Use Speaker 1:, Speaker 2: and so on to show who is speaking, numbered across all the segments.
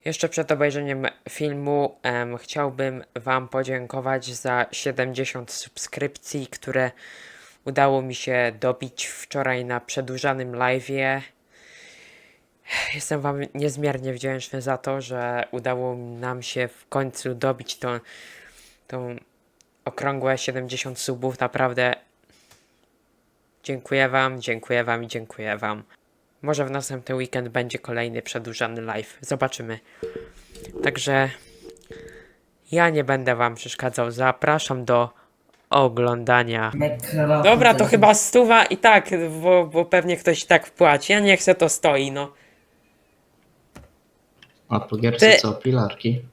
Speaker 1: Jeszcze przed obejrzeniem filmu chciałbym Wam podziękować za 70 subskrypcji, które udało mi się dobić wczoraj na przedłużanym live'ie. Jestem Wam niezmiernie wdzięczny za to, że udało nam się w końcu dobić tą okrągłe 70 subów. Naprawdę dziękuję Wam, dziękuję Wam i dziękuję Wam. Może w następny weekend będzie kolejny przedłużany live. Zobaczymy. Także ja nie będę Wam przeszkadzał. Zapraszam do oglądania. Dobra, to chyba 100 i tak, bo pewnie ktoś i tak wpłaci. Ja nie chcę, to stoi, no.
Speaker 2: A po gierce
Speaker 1: Ty-
Speaker 2: co? Pilarki?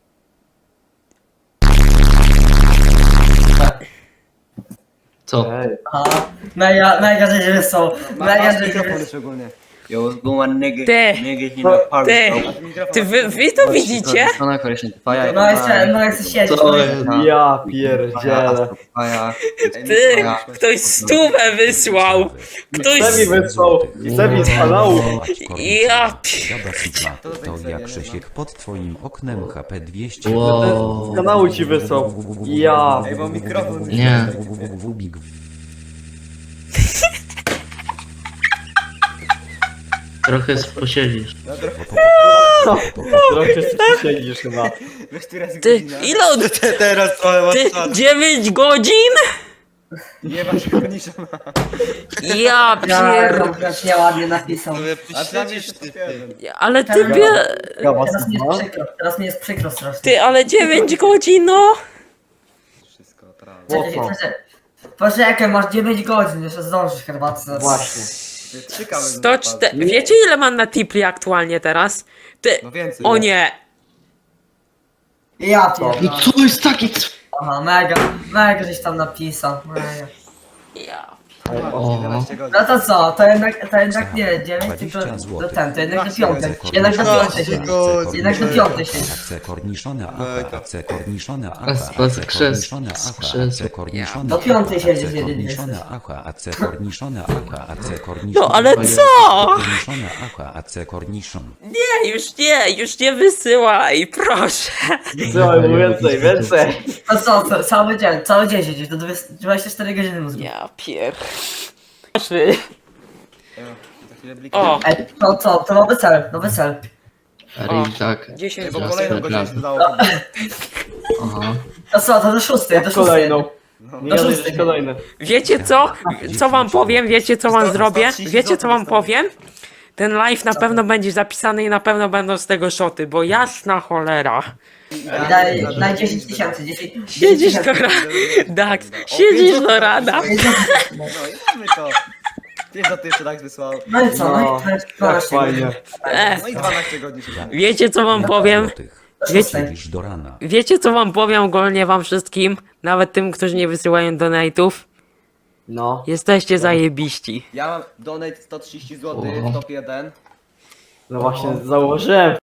Speaker 2: Co?
Speaker 3: Aha, mega żeś wysłał. Mega żeś
Speaker 4: mikrofon
Speaker 3: wysłał.
Speaker 4: szczególnie. Yo, what's going on, nigga?
Speaker 1: Ty!
Speaker 4: Nigga, you know, party,
Speaker 1: Ty!
Speaker 4: bro.
Speaker 1: Wy to widzicie?
Speaker 4: No na koleś, faja.
Speaker 3: No jeszcze siedzisz.
Speaker 2: Co jest?
Speaker 5: Ja pierdzielę.
Speaker 4: Faja.
Speaker 1: Ty! Ktoś 100 wysłał! Ktoś...
Speaker 5: Chce mi wysłał, chce mi z kanału.
Speaker 1: Ja
Speaker 6: Siada Sigma, to jak Krzysiek pod twoim oknem HP 200.
Speaker 2: Wow.
Speaker 5: Z kanału ci wysłał. Ja.
Speaker 4: Ej, bo mikrofon mi
Speaker 2: Nie.
Speaker 6: Wubik.
Speaker 2: Trochę posiedzisz.
Speaker 5: Trochę się siedzisz chyba.
Speaker 4: Wiesz, która jest
Speaker 1: Ty,
Speaker 4: godzina?
Speaker 1: ile on...
Speaker 4: Teraz trochę masz
Speaker 1: Ty,
Speaker 4: czas.
Speaker 1: 9 godzin?
Speaker 4: Nie masz konisza.
Speaker 1: Ja pier...
Speaker 3: Jak nieładnie napisał.
Speaker 4: A przecież ty.
Speaker 1: Ale ty
Speaker 5: Ja was
Speaker 3: Teraz mi
Speaker 5: ma.
Speaker 3: jest przykro, teraz mi jest przykro strasznie.
Speaker 1: Ty, ale 9 godzin, no!
Speaker 4: Wszystko, prawda.
Speaker 5: Mocno.
Speaker 3: Poczekaj, masz 9 godzin, jeszcze zdążysz herbatę.
Speaker 5: Właśnie.
Speaker 4: 3 kawy.
Speaker 1: 104... Wiecie ile mam na Tipli aktualnie teraz? Ty...
Speaker 4: No więcej.
Speaker 1: O nie!
Speaker 3: Ja
Speaker 2: No
Speaker 3: pierdolę.
Speaker 2: co jest taki?
Speaker 3: Aha, mega żeś tam napisał. Mega.
Speaker 1: Ja...
Speaker 2: O,
Speaker 4: 11 godzin.
Speaker 3: No to co, to jednak nie 9, tylko
Speaker 6: 20 zł.
Speaker 3: to ten, to jednak na piątek. Jednak na piątek się. Jednak na piątek się.
Speaker 6: AC korniszone AK, AC korniszone
Speaker 2: A
Speaker 6: AK,
Speaker 2: z
Speaker 6: korniszone
Speaker 2: z
Speaker 6: AK,
Speaker 2: krzesła.
Speaker 6: AC korniszone
Speaker 3: Do piątej siedzisz,
Speaker 6: AC
Speaker 3: jedynie
Speaker 6: korniszone AK, AC korniszone AK, AC korniszone
Speaker 1: No ale co?
Speaker 6: korniszone AK, AC korniszon.
Speaker 1: Nie, już nie wysyłaj, proszę!
Speaker 5: Słuchaj, więcej, więcej.
Speaker 3: To co, cały dzień siedzisz, do 24 godziny mózgu.
Speaker 1: Ja pier...
Speaker 4: Za chwilę bliki.
Speaker 1: O!
Speaker 3: Ej, to nowy cel.
Speaker 2: Eri, tak.
Speaker 1: 10
Speaker 4: Bo
Speaker 2: Teraz
Speaker 4: kolejną
Speaker 2: przegram.
Speaker 4: godzinę się dodało.
Speaker 2: Aha.
Speaker 3: To co, to do 6, do 6.
Speaker 5: Kolejną.
Speaker 4: No.
Speaker 5: Nie jesteś kolejny.
Speaker 1: Wiecie co? Co wam powiem? Wiecie co wam zrobię? Wiecie co wam powiem? Ten live na pewno będzie zapisany i na pewno będą z tego szoty, bo jasna cholera.
Speaker 3: Daj 10 tysięcy, 10
Speaker 1: Siedzisz do rana. Dax, siedzisz do rana.
Speaker 4: No i mamy to. Wiesz, za to jeszcze tak wysłał.
Speaker 3: No i co, no i to jest
Speaker 5: Tak
Speaker 3: 12
Speaker 5: fajnie.
Speaker 4: No i 12 godzin się dało.
Speaker 1: Wiecie co wam powiem? Wiecie,
Speaker 6: Siedzisz do rana.
Speaker 1: wiecie co wam powiem ogólnie wam wszystkim? Nawet tym, którzy nie wysyłają donate'ów?
Speaker 5: No.
Speaker 1: Jesteście zajebiści.
Speaker 4: Ja mam donate 130 zł w top 1.
Speaker 5: No właśnie, założyłem